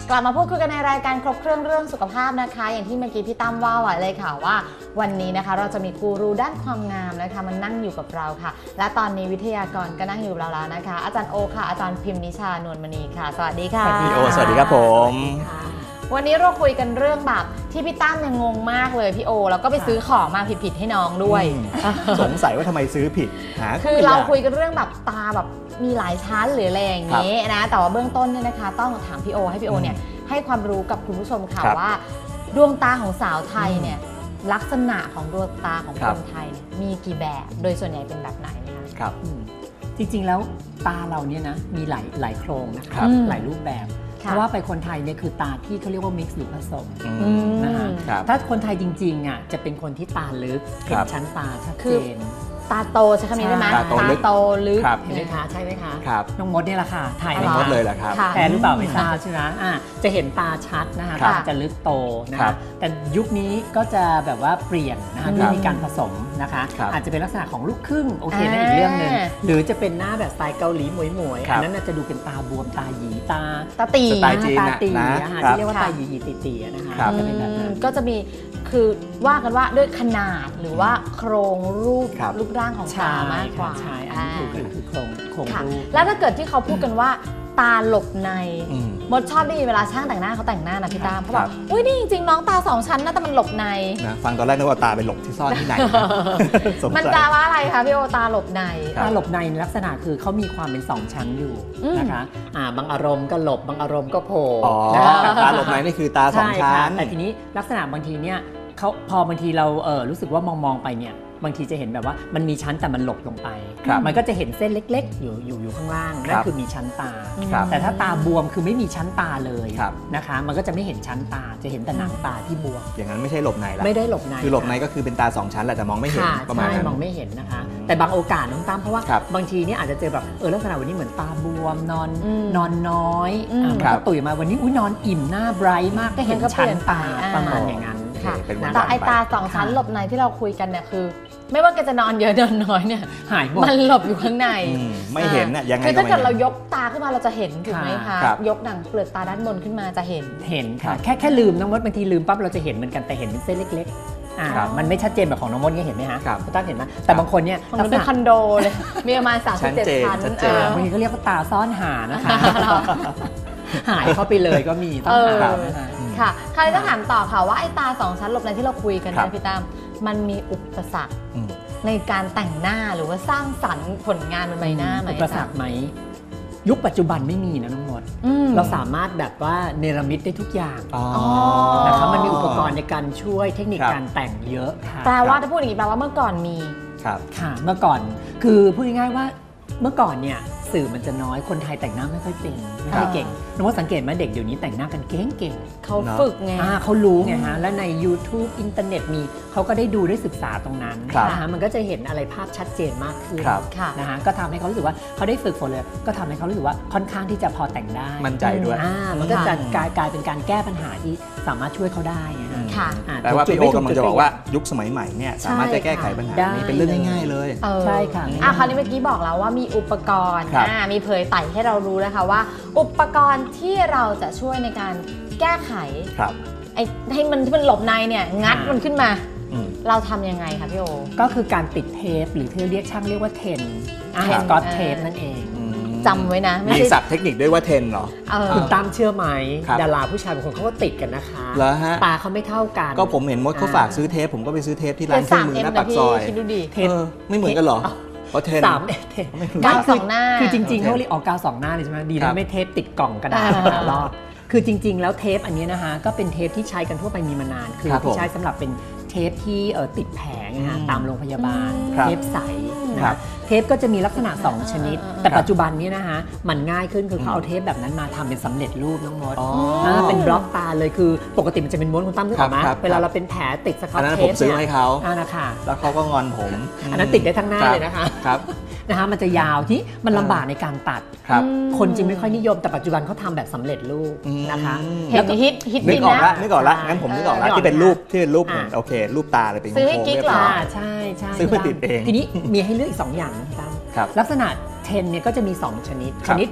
กลับมาพูดคุยกันในรายการครบเครื่องเรื่องสุขภาพนะคะอย่างที่เมื่อกี้พี่ตั้มว่าไว้เลยค่ะว่าวันนี้นะคะเราจะมีกูรูด้านความงามนะคะมันนั่งอยู่กับเราค่ะและตอนนี้วิทยากรก็นั่งอยู่กับเราแล้วนะคะอาจารย์โอค่ะอาจารย์พิมพ์นิชานวลมณีค่ะสวัสดีค่ะพี่โอสวัสดีครับผมวันนี้เราคุยกันเรื่องแบบที่พี่ตั้มยังงงมากเลยพี่โอแล้วก็ไปซื้อของมาผิดๆให้น้องด้วยสงสัยว่าทำไมซื้อผิดคือเราคุยกันเรื่องแบบตาแบบมีหลายชั้นหรืออะไรอย่างนี้นะแต่ว่าเบื้องต้นเนี่ยนะคะต้องถามพี่โอให้พี่โอเนี่ยให้ความรู้กับคุณผู้ชมค่ะว่าดวงตาของสาวไทยเนี่ยลักษณะของดวงตาของคนไทยเนี่ยมีกี่แบบโดยส่วนใหญ่เป็นแบบไหนนะคะครับจริงๆแล้วตาเราเนี่ยนะมีหลายโครงนะคะหลายรูปแบบเพราะว่าไปคนไทยเนี่ยคือตาที่เขาเรียกว่า mix หรือผสมนะคะถ้าคนไทยจริงๆอ่ะจะเป็นคนที่ตาลึกเห็นชั้นตาชัดเจนตาโตใช่คำนี้ได้ไหมตาโตลึกเห็นไหมคะใช่ไหมคะน้องมดนี่แหละค่ะถ่ายน้องมดเลยแหละครับแทนหรือเปล่าไม่ทราบใช่ไหมจะเห็นตาชัดนะคะตาจะลึกโตนะคะแต่ยุคนี้ก็จะแบบว่าเปลี่ยนนะคะด้วยมีการผสมนะคะอาจจะเป็นลักษณะของลูกครึ่งโอเคนั่นอีกเรื่องหนึ่งหรือจะเป็นหน้าแบบสไตล์เกาหลีหมวยๆอันนั้นจะดูเป็นตาบวมตาหยีตาตีสไตล์จีนนะคะที่เรียกว่าตาหยีตีนะคะจะเป็นแบบนั้นก็จะมีคือว่ากันว่าด้วยขนาดหรือว่าโครงรูปร่างของตามากกว่าใช่อันนี้คือโครงรูปแล้วถ้าเกิดที่เขาพูดกันว่าตาหลบในมดชอบได้ยินเวลาช่างแต่งหน้าเขาแต่งหน้านะพี่ตามเขาบอกอุ้ยนี่จริงๆน้องตา2ชั้นนะแต่มันหลบในนะฟังตอนแรกนึกว่าตาเป็นหลบที่ซ่อนที่ไหนมันแปลว่าอะไรคะพี่โอตาหลบในตาหลบในลักษณะคือเขามีความเป็น2ชั้นอยู่นะคะบางอารมณ์ก็หลบบางอารมณ์ก็โผล่ตาหลบในนี่คือตา2ชั้นแต่ทีนี้ลักษณะบางทีเนี่ยเขาพอบางทีเรารู้สึกว่ามองไปเนี่ยบางทีจะเห็นแบบว่ามันมีชั้นแต่มันหลบลงไปมันก็จะเห็นเส้นเล็กๆอยู่ข้างล่างนั่นคือมีชั้นตาแต่ถ้าตาบวมคือไม่มีชั้นตาเลยนะคะมันก็จะไม่เห็นชั้นตาจะเห็นแต่หนังตาที่บวมอย่างนั้นไม่ใช่หลบในละไม่ได้หลบในคือหลบในก็คือเป็นตา2ชั้นแหละแต่มองไม่เห็นประมาณนั้นมองไม่เห็นนะคะแต่บางโอกาสน้องตั้มเพราะว่าบางทีเนี่ยอาจจะเจอแบบลักษณะวันนี้เหมือนตาบวมนอนน้อยมันก็ตุ๋ยมาวันนี้นอนอิ่มหน้าไบรท์มากก็เห็นชั้นตาประมาณอย่างนั้นแต่ไอตา2ชั้นหลบในที่เราคุยกันเนี่ยคือไม่ว่าแกจะนอนเยอะนอนน้อยเนี่ยหายหมดมันหลบอยู่ข้างในไม่เห็นน่ะยังไงคือถ้าเกิดเรายกตาขึ้นมาเราจะเห็นถูกไหมคะยกหนังเปลือกตาด้านบนขึ้นมาจะเห็นค่ะแค่ลืมน้องมดบางทีลืมปั๊บเราจะเห็นเหมือนกันแต่เห็นเป็นเส้นเล็กๆมันไม่ชัดเจนแบบของน้องมดเนี่ยเห็นไหมฮะคุณตั้งเห็นไหมแต่บางคนเนี่ยมันเป็นคอนโดเลยมีประมาณ37 ชั้นบางทีก็เรียกว่าตาซ่อนหานะคะหายเข้าไปเลยก็มีต้องหาค่ะใครจะถามต่อค่ะว่าไอ้ตา2ชั้นหลบในที่เราคุยกันนะพี่ตั้มมันมีอุปสรรคในการแต่งหน้าหรือว่าสร้างสรรค์ผลงานบนใบหน้าไหมอุปสรรคไหมยุคปัจจุบันไม่มีนะน้องมดเราสามารถแบบว่าเนรมิตได้ทุกอย่างนะคะมันมีอุปกรณ์ในการช่วยเทคนิคการแต่งเยอะค่ะแปลว่าถ้าพูดอย่างนี้แปลว่าเมื่อก่อนมีค่ะเมื่อก่อนคือพูดง่ายๆว่าเมื่อก่อนเนี่ยสื่อมันจะน้อยคนไทยแต่งหน้าไม่ค่อยเป็นไม่ค่อยเก่งน้องว่าสังเกตไหมเด็กเดี๋ยวนี้แต่งหน้ากันเก่งเขาฝึกไงเขารู้ไงฮะและใน YouTube อินเทอร์เน็ตมีเขาก็ได้ดูได้ศึกษาตรงนั้นนะคะมันก็จะเห็นอะไรภาพชัดเจนมากขึ้นนะคะก็ทำให้เขารู้สึกว่าเขาได้ฝึกฝนเลยก็ทำให้เขารู้สึกว่าค่อนข้างที่จะพอแต่งได้มั่นใจด้วยมันก็จะกลายเป็นการแก้ปัญหาที่สามารถช่วยเขาได้ค่ะแต่ว่าพี่โอกำลังจะบอกว่ายุคสมัยใหม่เนี่ยสามารถจะแก้ไขปัญหานี้เป็นเรื่องง่ายๆเลยใช่ค่ะคราวนี้เมื่อกี้บอกแล้วว่ามีอุปกรณ์มีเผยไต่ให้เรารู้นะคะว่าอุปกรณ์ที่เราจะช่วยในการแก้ไขให้มันหลบในเนี่ยงัดมันขึ้นมาเราทำยังไงคะพี่โอก็คือการติดเทปหรือที่เรียกช่างเรียกว่าเทนสกอตเทปนั่นเองจำไว้นะมีศัพท์เทคนิคด้วยว่าเทนเหรอคุณตั้มเชื่อไหมดาราผู้ชายบางคนเขาก็ติดกันนะคะตาเขาไม่เท่ากันก็ผมเห็นมดเขาฝากซื้อเทปผมก็ไปซื้อเทปที่ร้านเครื่องมือหน้าปากซอยเทปไม่เหมือนกันหรอเพราะเทนกาว2 หน้าคือจริงๆเขาเรียกออกกาว2 หน้าเลยใช่ไหมดีนะไม่เทปติดกล่องกระดาษรอบคือจริงๆแล้วเทปอันนี้นะคะก็เป็นเทปที่ใช้กันทั่วไปมีมานานคือที่ใช้สำหรับเป็นเทปที่ติดแผงตามโรงพยาบาลเทปใสนะเทปก็จะมีลักษณะ2 ชนิดแต่ปัจจุบันนี้นะคะมันง่ายขึ้นคือเขาเอาเทปแบบนั้นมาทำเป็นสำเร็จรูปน้องมดเป็นบล็อกตาเลยคือปกติมันจะเป็นม้วนคุณตั้มนึกออกไหมเวลาเราเป็นแผลติดสครับเทปซื้อให้เขานะคะแล้วเขาก็งอนผมอันนั้นติดได้ทั้งหน้าเลยนะคะนะคะมันจะยาวที่มันลำบากในการตัดคนจริงไม่ค่อยนิยมแต่ปัจจุบันเขาทำแบบสำเร็จรูปนะคะแล้วฮิตนึกออกละงั้นผมนึกออกละที่เป็นรูปเหมือนโอเครูปตาเลยเป็นโค้งเรียบร้อยใช่ซื้อมาติดเองทีนี้มีให้เลือกอีก2 อย่างนะครับลักษณะเทนเนี่ยก็จะมี2 ชนิดผ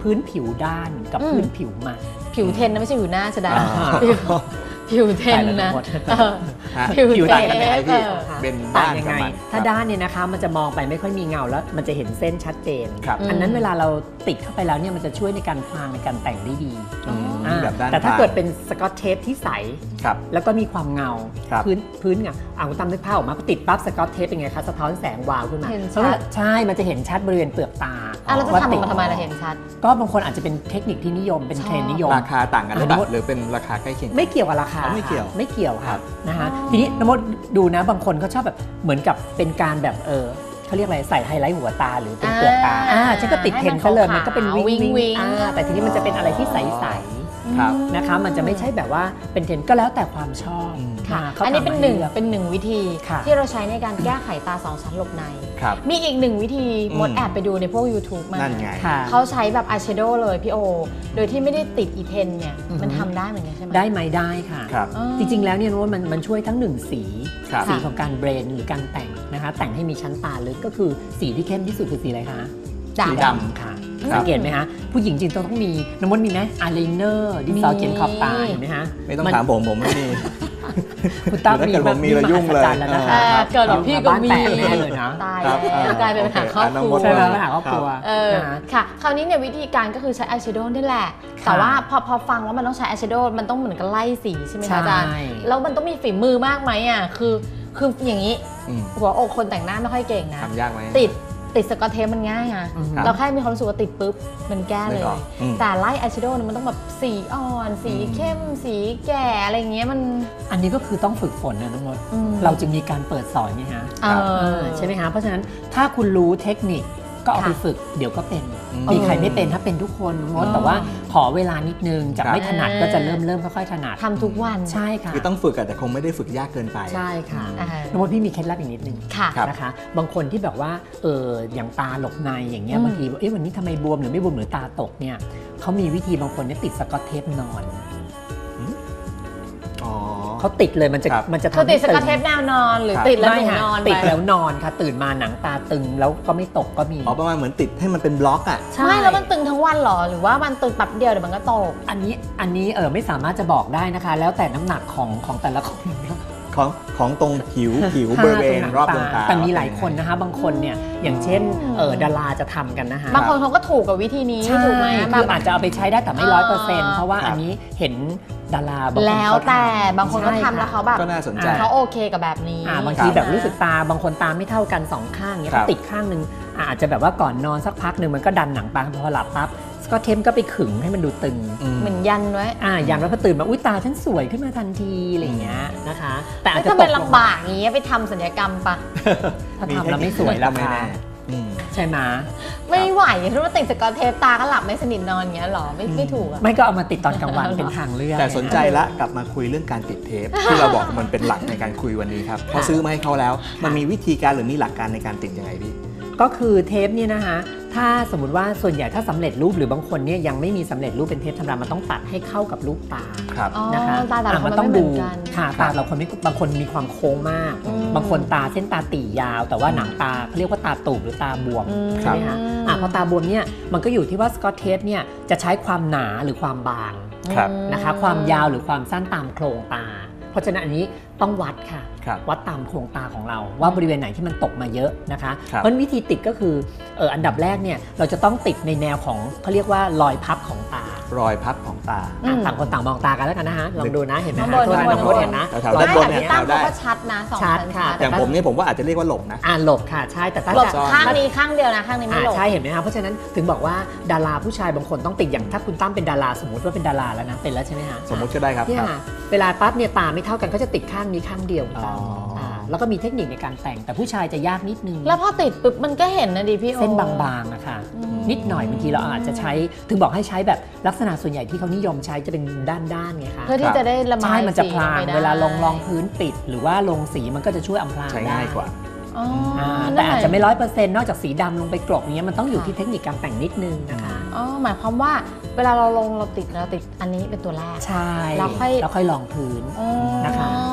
พื้นผิวด้านกับพื้นผิวมันผิวเทนนะไม่ใช่ผิวหน้าจะได้อ่าผิวเทนนะฮะผิวผิวเทต่างกันยังไงพี่เออเป็นต่าด้าง นยังกับไงมันถ้าด้านเนี่ยนะคะมันจะมองไปไม่ค่อยมีเงาแล้วมันจะเห็นเส้นชัดเจนครับอันนั้นเวลาเราติดเข้าไปแล้วเนี่ยมันจะช่วยในการพรางในการแต่งได้ดีอืมอ่าแบบด้านแต่ถ้าข้งเกิดเป็นสกอตเทปที่ใสครับแล้วก็มีความเงาครับพื้นเงาคุณตั้มนึกภาพออกมาพอติดปั๊บสกอตเทปเป็นไงคะสะท้อนแสงวาวขึ้นมาเห็นชัดใช่มันจะเห็นชัดบริเวณเปลือกตาแล้วจะว่าทำติดมาทำไมเราเห็นชัดก็บางคนอาจจะเป็นเทคนิคที่นิยมเป็นเทรนด์นิยมราคาต่างกันหรือเปล่าหรือเป็นราคาใกล้เคียงกันไม่เกี่ยวกับราคาอ๋อไม่เกี่ยวไม่เกี่ยวครัค่ะบนะคะอ๋อทีนี้น้ำมดดูนะบางคนเขาชอบแบบเหมือนกับเป็นการแบบเขาเรียกอะไรใส่ไฮไลท์หัวตาหรือเป็นเปลือกตาฉันก็ติดเทรนด์ซะเลยมันก็เป็นวิงวิงแต่ทีนี้มันจะเป็นอะไรที่ใสๆครับนะคะมันจะไม่ใช่แบบว่าเป็นเทรนด์ก็แล้วแต่ความชอบค่ะขาอันนี้เป็นทำหนึ่งให้ลือกเป็นหนึ่งวิธีค่ะที่เราใช้ในการแก้ไขตาสองชั้นหลบในครับมีอีกหนึ่งวิธีอืมมดแอบไปดูในพวก YouTube มานั่นไงค่ะเขาใช้แบบอายแชโดว์เลยพี่โอ โดยที่ไม่ได้ติดอีเพนเนี่ยอือฮึมันทำได้เหมือนกันใช่ไหมได้ไหมได้ค่ะครับอ๋อจริงๆแล้วเนี่ยว่ามันช่วยทั้งหนึ่งสีครับสีของการเบรนหรือการแต่งนะคะแต่งให้มีชั้นตาลึกก็คือสีที่เข้มที่สุดคือสีอะไรคะดำสีดำค่ะครับสังเกตไหมคะผู้หญิงจริงต้องมีน้ำมดมีไหมอายไลเนอร์ดินสอเขียนขอบตาเห็นไหมคะไม่ต้องถามผมไม่มีคุณตั้มถ้าเกิดผมมีระยุ่งเลยมหัศจรรแล้วนะคะเกิดแบบพี่ก็มีบ้านแตกแน่เลยนะตายครับแล้วกลายเป็นปัญหาครอบครัวโอเคใช่ไหมครับปัญหาครอบครัว นะคะค่ะ คราวนี้เนี่ยวิธีการก็คือใช้อายแชโดว์นี่แหละค่ะแต่ว่าพอฟังว่ามันต้องใช้อายแชโดว์มันต้องเหมือนกับไล่สีใช่ไหมคะอาจารย์ใช่แล้วมันต้องมีฝีมือมากไหมอ่ะคืออย่างนี้อืมหัวอกคนแต่งหน้าไม่ค่อยเก่งนะทำยากไหมติดสกอตเทปมันง่ายอะอืมครับเราแค่มีความรู้สึกว่าติดปุ๊บมันแก้เลนึยกออกอืมแต่ไล่อายแชโดว์เนี่ยมันต้องแบบสีอ่อน สีเข้ม สีแก่อะไรอย่างเงี้ยมันอันนี้ก็คือต้องฝึกฝนนะน้องมดอืมเราจึงมีการเปิดสอนไงฮะเออใช่ไหมคะเพราะฉะนั้นถ้าคุณรู้เทคนิคก็เอาไปค่ะฝึกเดี๋ยวก็เป็นอืมมีใครไม่เป็นถ้าเป็นทุกคนมดอ๋อแต่ว่าขอเวลานิดนึงจากครับไม่ถนัดก็จะเริ่มค่อยๆถนัดทำทุกวันใช่ค่ะคือต้องฝึกอะแต่คงไม่ได้ฝึกยากเกินไปใช่ค่ะอ่าน้องมดพี่มีเคล็ดลับอีกนิดนึงค่ะครับนะคะบางคนที่แบบว่าอย่างตาหลบในอย่างเงี้ยอืมบางทีวันนี้ทำไมบวมหรือไม่บวมหรือตาตกเนี่ยเขามีวิธีบางคนเนี่ยติดสกอตเทปนอนอ๋อเขาติดเลยมันจะครับมันจะคือทำติให้ดสกอตเทปแนวนอนหรือครับติดแล้วหไม่นูฮะนอนติดไปแล้วนอนค่ะตื่นมาหนังตาตึงแล้วก็ไม่ตกก็มีอ๋อประมาณเหมือนติดให้มันเป็นบล็อกอะไม่แล้วมันตึงทั้งวันเหรอ หรือว่ามันตึงแป๊บเดียวเดี๋ยวมันก็ตกอันนี้ไม่สามารถจะบอกได้นะคะ แล้วแต่น้ำหนักของแต่ละคนของตรงผิวบริเวณรอบดวงตาแต่มีหลายคนนะคะ บางคนเนี่ยอย่างเช่นดาราจะทำกันนะคะบางคนเขาก็ถูกกับวิธีนี้ใช่ถูกไหมคืออาจจะเอาไปใช้ได้แต่ไม่ 100%เพราะว่าครับอันนี้เห็นดาราบางคนแล้วเขาทำแต่บางคนก็ใช่ทำแล้วค่ะเขาแบบก็น่าสนใจเขาโอเคกับแบบนี้บางทีแบบรู้สึกตาบางคนตาไม่เท่ากันสองข้างเนี้ยครับเขาติดข้างหนึ่งอาจจะแบบว่าก่อนนอนสักพักหนึ่งมันก็ดันหนังตาพอหลับปั๊บก็เทมก็ไปขึงให้มันดูตึงเหมือนยันไว้อย่างแล้วพอตื่นมาอุ้ยตาฉันสวยขึ้นมาทันทีอะไรอย่างเงี้ยนะคะ แต่อาจไม่จะทำตไมกลงลำบากอย่างเงี้ยไปทำศัลยกรรมปะถ้าทำแล้วไม่สวยแล้วไม่ค่ะแน่อืมใช่ไหมไม่ไหวเพราะว่าติดสกอตเทปตาก็หลับไม่สนิทนอนอย่างเงี้ยหรอไม่ถูกอะไม่ก็เอามาติดตอนกลางวันเป็นทางเลือกแต่สนใจละกลับมาคุยเรื่องการติดเทป ที่เราบอกมันเป็นหลักในการคุยวันนี้ครับพอซื้อมาให้เขาแล้ว มันมีวิธีการหรือมีหลักการในการติดยังไงพี่ก็คือเทปเนี่ยนะคะถ้าสมมติว่าส่วนใหญ่ถ้าสำเร็จรูปหรือบางคนเนี่ยยังไม่มีสำเร็จรูปเป็นเทปธรรมดามันต้องตัดให้เข้ากับรูปตาครับอ๋อนะคะตาแต่ละคนมัมันต้องไม่เหมืดูอนกันค่ะตาเราคนไม่บางคนมีความโค้งมากอืมบางคนตาเส้นตาตียาว แต่ว่าหนังตาเขาเรียกว่าตาตูบหรือตาบวมอืมใช่ไหมคะพอตาบวมเนี่ยมันก็อยู่ที่ว่าสกอตเทปเนี่ยจะใช้ความหนาหรือความบางครับนะคะความยาวหรือความสั้นตามโครงตา เพราะฉะนั้นอันนี้ต้องวัดค่ะครับวัดตามโครงตาของเราว่าบริเวณไหนที่มันตกมาเยอะนะคะครับเพราะฉะนั้นวิธีติดก็คืออันดับแรกเนี่ยเราจะต้องติดในแนวของเขาเรียกว่ารอยพับของตารอยพับของตาต่างคนต่างมองตากันแล้วกันนะคะลองดูนะเห็นไหมข้างคะบนโทษนะข้างบนน้องมดเห็นนะแถวๆรอยด้านบพันบเนี่เนี่ย ยตั้งได้เขาก็ชัดนะสองชัดชั้นค่ะชัดอย่างผมเนี่ยผมว่าอาจจะเรียกว่าหลบนะหลบค่ะใช่แต่ถ้าหลบจะข้างนี้ข้างเดียวนะข้างนี้ไม่หลบใช่เห็นไหมคะเพราะฉะนั้นถึงบอกว่าดาราผู้ชายบางคนต้องติดอย่างถ้าคุณตั้มเป็นดาราสมมติว่าเป็นดาราแล้วนะเป็นแล้วใช่ไหมคะสมมุติก็ได้ครับเนี่ยครับค่ะเวลาปั๊บเนี่ยตาไม่เท่ากันเขาจะติดข้างนี้ข้างเดียวอ๋ออ่แล้วก็มีเทคนิคในการแต่งแต่ผู้ชายจะยากนิดนึงแล้วพอติดปุ๊บมันก็เห็นนะดิพี่โอเส้นบางๆนะคะอืมนิดหน่อยบางทีเราอาจจะใช้ถึงบอกให้ใช้แบบลักษณะส่วนใหญ่ที่เขานิยมใช้จะเป็นด้านๆไงคะเพื่อที่จะได้ระบายใช่มันจะพลางสีออกไปได้เวลาลองพื้นปิด หรือว่าลงสีมันก็จะช่วยอำพรางใช้ได้ง่ายกว่าอ๋อแต่อาจจะไม่100%นอกจากสีดำลงไปกลบอย่างเงี้ยมันต้องอยู่ค่ะที่เทคนิคการแต่งนิดนึงนะคะอ๋อหมายความว่าเวลาเราลงเราติดอันนี้เป็นตัวแรกใช่แล้วค่อยลองพื้นอ๋อนะคะอ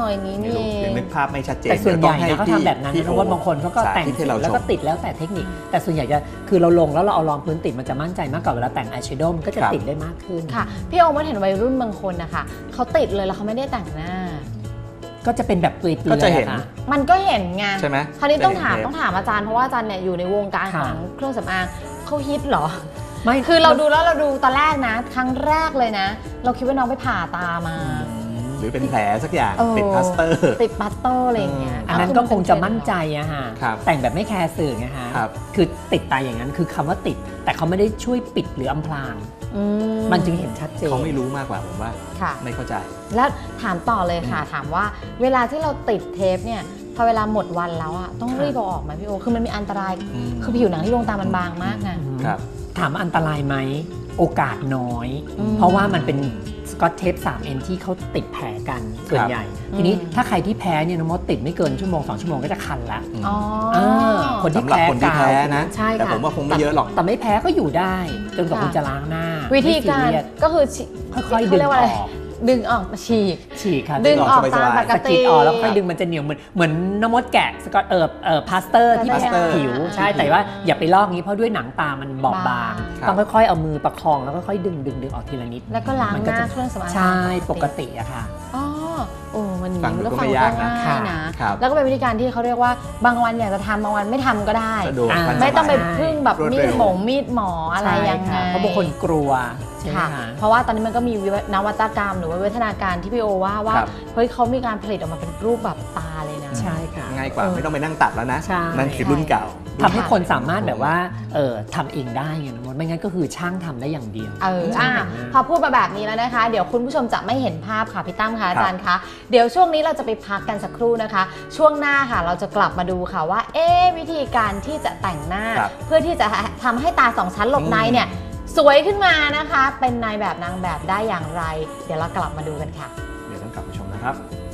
อย่างนี้ไม่นี่รู้เอยังงนึกภาพไม่ชัดเจนแต่ส่วนใหญ่เนี่ยเขาพี่ทำแบบนั้นพี่นะว่าบางคนเขาก็แต่งสาธิตให้เราแล้วก็ชมติดแล้วแต่เทคนิค แต่ส่วนใหญ่จะคือเราลงแล้วเราเอารองพื้นติดมันจะมั่นใจมากกว่าเวลาแต่งอายแชโดว์มันก็จะครับติดได้มากขึ้นค่ะพี่โอมเห็นวัยรุ่นบางคนนะคะเขาติดเลยแล้วเขาไม่ได้แต่งหน้าก็จะเป็นแบบเปลือยๆก็จะเห็นอค่มันก็เห็นไงใช่ไหมคราวนี้ต้องจะเห็นถามอาจารย์เพราะว่าอาจารย์เนี่ยอยู่ในวงการค่ะของเครื่องสำอางเขาฮิตเหรอไม่คือเราดูตอนแรกนะ ครั้งแรกเลยนะ เราคิดว่าน้องไปผ่าตามาหรือเป็นแผลสักอย่างเออติดพลาสเตอร์ติดปัตเตอร์อะไรอย่างเงี้ยอันนั้นก็คงจะมั่นใจอะฮะครับแต่งแบบไม่แคร์สื่อไงฮะครับคือติดตาอย่างนั้นคือคำว่าติด แต่เขาไม่ได้ช่วยปิดหรืออำพรางอืมันจึงเห็นชัดเจนเขาไม่รู้มากกว่าผมว่าค่ะไม่เข้าใจแล้วถามต่อเลยค่ะ ถามว่าเวลาที่เราติดเทปเนี่ยพอเวลาหมดวันแล้วอะต้องรีบเอาออกไหมพี่โอคือมันมีอันตรายอืมคือผิวหนังที่ดวงตามันบางมากนะครับถามว่าอันตรายไหมโอกาสน้อยอืมเพราะว่ามันเป็นสกอตเทป 3N ที่เขาติดแผลกันส่วนใหญ่ ทีนี้ถ้าใครที่แพ้เนี่ยน้องมดติดไม่เกินชั่วโมง 2 ชั่วโมงก็จะคันละอ๋อคนที่สำหรับคนที่แพ้นะใช่แต่ค่ะผมว่าคงไม่เยอะหรอกแต่ไม่แพ้ก็อยู่ได้ จนกว่าค่ะคุณจะล้างหน้าวิธีการไม่ซีเยสก็คือค่อยๆดึงเขาเรีกว่าออะไรอกดึงออกฉีกฉีกค่ะดึงออกสบายๆตามปกสะติกิดออกแล้วค่อยดึงมันจะเหนียวเหมือนน้ำมดแกะสกอตพลาสเตอร์ที่พลาสแปะเตอร์ผิวใช่แต่ว่าอย่าไปลอกงี้เพราะด้วยหนังตามันบอบบางครับต้องค่อยๆเอามือประคองแล้วค่อยๆดึงออกทีละนิดแล้วก็ล้างมันหก็น้าจะเครื่องสำอางใช่ปกติอะค่ะอ๋อโอ้มันฟังดูแล้วก็ฟังไม่ก็ยากนะง่ายนะครับแล้วก็เป็นวิธีการที่เขาเรียกว่าบางวันอยากจะทำบางวันไม่ทำก็ได้สะดวกอ่าทันสไม่ต้องไปมัยพึ่งแบบรวดมีเร็ดวมีดหมออะไรยังไงใช่ค่ะเพราะบางคนกลัวใช่ไหมค่ะคะเพราะว่าตอนนี้มันก็มีนวัตกรรมหรือว่าวิวัฒนาการที่พี่โอว่าครับเฮ้ยเขามีการผลิตออกมาเป็นรูปแบบตาเลยนะใช่ค่ะง่ายกว่าไม่ต้องไปนั่งตัดแล้วนะใช่นั่นคือรุ่นเก่าทำให้คนสามารถแบบว่าทำเองได้ไงนะมดไม่งั้นก็คือช่างทำได้อย่างเดียวอ่ะพอพูดมาแบบนี้แล้วนะคะ เดี๋ยวคุณผู้ชมจะไม่เห็นภาพค่ะพี่ตั้มค่ะอาจารย์คะเดี๋ยวช่วงนี้เราจะไปพักกันสักครู่นะคะ ช่วงหน้าค่ะเราจะกลับมาดูค่ะว่าวิธีการที่จะแต่งหน้าครับเพื่อที่จะทำให้ตาสองชั้นหลบในเนี่ยสวยขึ้นมานะคะ เป็นนายแบบนางแบบได้อย่างไร เดี๋ยวเรากลับมาดูกันค่ะเดี๋ยวต้องกลับไปชมนะครับ